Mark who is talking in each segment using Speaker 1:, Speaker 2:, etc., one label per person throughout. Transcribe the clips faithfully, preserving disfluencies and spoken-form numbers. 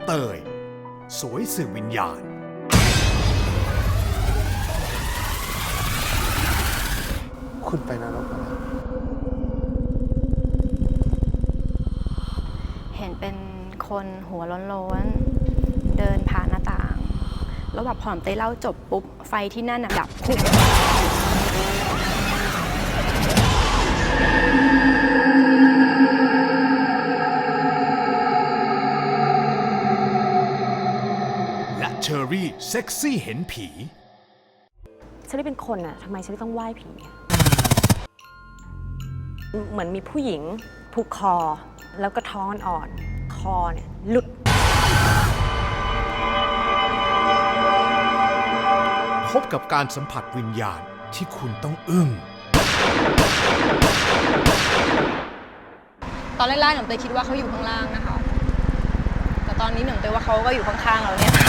Speaker 1: เตยสวยสื่อวิญญาณ
Speaker 2: คุณไปนรกมาแล้ว
Speaker 3: เห็นเป็นคนหัวโล้นๆเดินผ่านหน้าต่าง แล้วแบบพอผมเต้เล่าจบปุ๊บ ไฟที่นั่นน่ะดับพุ่ง
Speaker 1: และเชอรี่เซ็กซี่เห็นผี
Speaker 4: ฉันได้เป็นคนอะทำไมฉันต้องไหว้ผีอะเหมือนมีผู้หญิงผูกคอ แล้วก็ท้องอ่อนๆคอเนี่ยหลุด
Speaker 1: พบกับการสัมผัสวิญญาณที่คุณต้องอึ้ง
Speaker 3: ตอนแรกๆหนูเต้คิดว่าเขาอยู่ข้างล่างนะคะ แต่ตอนนี้หนูเต้ว่าเขาก็อยู่ข้างๆเราเนี่ย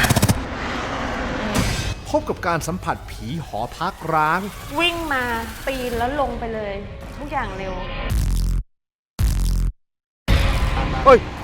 Speaker 1: พบกับการสัมผัสผีหอพักร้าง
Speaker 4: วิ่งมาปีนแล้วลงไปเลย ทุกอย่างเร็ว
Speaker 2: เฮ้ย